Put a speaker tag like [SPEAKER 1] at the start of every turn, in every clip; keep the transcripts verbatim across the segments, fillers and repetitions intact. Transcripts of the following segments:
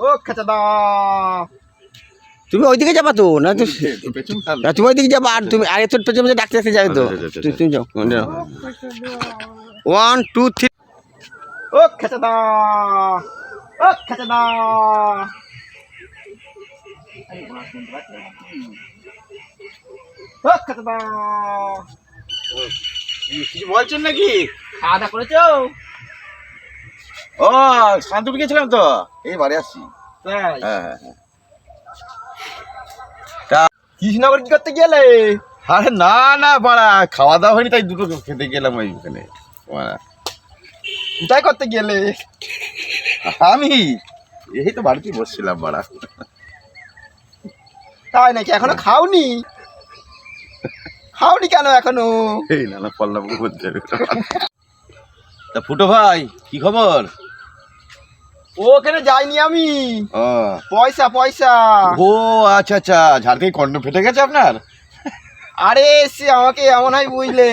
[SPEAKER 1] ও খেচাদা
[SPEAKER 2] তুমি ওইদিকে যাবা তো না তো তুমি ওইদিকে যাবা আর তুমি আরে তোর পেছনে ডাকতে ডাকতে যাবে তো তুমি যাও ওয়ান টু থ্রি
[SPEAKER 1] ও খেচাদা ও খেচাদা ও খেচাদা
[SPEAKER 3] কিছু বলছেন নাকি?
[SPEAKER 1] খাওয়া দাওয়া করেছো?
[SPEAKER 3] ও শান্তিপুর গেছিলাম তো, এই বাড়ি আসছি।
[SPEAKER 1] তাই
[SPEAKER 3] হ্যাঁ হ্যাঁ হ্যাঁ।
[SPEAKER 1] কৃষ্ণনগর কি করতে গেলে?
[SPEAKER 3] আরে না না বাড়া, খাওয়া দাওয়া হয়নি তাই দুটো খেতে গেলাম ওইখানে।
[SPEAKER 1] কোথায় করতে গেলে?
[SPEAKER 3] আমি এই তো বাড়িতে বসছিলাম বাড়া।
[SPEAKER 1] তাই নাকি? এখনো খাওনি? খাওনি কেন এখনো?
[SPEAKER 3] এই না না পল্লাম বলতে তা ফুটো ভাই কি খবর?
[SPEAKER 1] ওখানে যাইনি আমি।
[SPEAKER 3] ও
[SPEAKER 1] পয়সা পয়সা।
[SPEAKER 3] ও আচ্ছা আচ্ছা, ঝাড় থেকে কন্ডম ফেটে গেছে আপনার?
[SPEAKER 1] আরে সে আমাকে এমন হয় বুঝলে।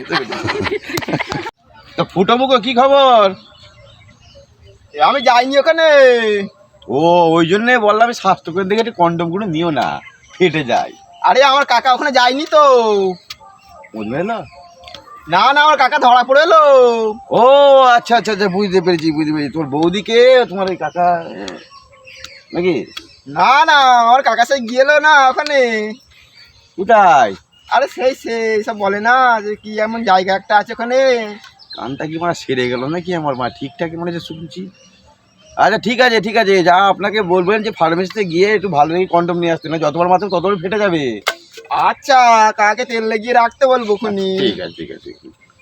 [SPEAKER 3] তা ফুটো মুখো কি খবর?
[SPEAKER 1] আমি যাইনি ওখানে।
[SPEAKER 3] ও ওই জন্যে বললাম স্বাস্থ্যকের দিকে একটু কন্ডম গুলো নিও না, ফেটে যায়।
[SPEAKER 1] আরে আমার কাকা ওখানে যায়নি তো।
[SPEAKER 3] বুঝলে না?
[SPEAKER 1] না না আমার কাকা ধরা পড়ে এলো।
[SPEAKER 3] ও আচ্ছা আচ্ছা আচ্ছা, বুঝতে পেরেছি বুঝতে পেরেছি। তোমার বৌদিকে তোমার ওই কাকা নাকি?
[SPEAKER 1] না না আমার কাকা সে গেলো না ওখানে।
[SPEAKER 3] কোথায়?
[SPEAKER 1] আরে সেই সেই সব বলে না যে কি এমন জায়গা একটা আছে ওখানে।
[SPEAKER 3] কানটা কি মানে সেরে গেল নাকি আমার মা? ঠিকঠাক মনে হচ্ছে শুনছি। আচ্ছা ঠিক আছে ঠিক আছে, যা আপনাকে বলবেন যে ফার্মেসিতে গিয়ে একটু ভালো করে কন্ডম নিয়ে আসতে, না যতবার মাত্র ততবার ফেটে যাবে।
[SPEAKER 1] আচ্ছা কাকে তেল লাগিয়ে রাখতে বলবো খুনি।
[SPEAKER 3] ঠিক আছে ঠিক আছে।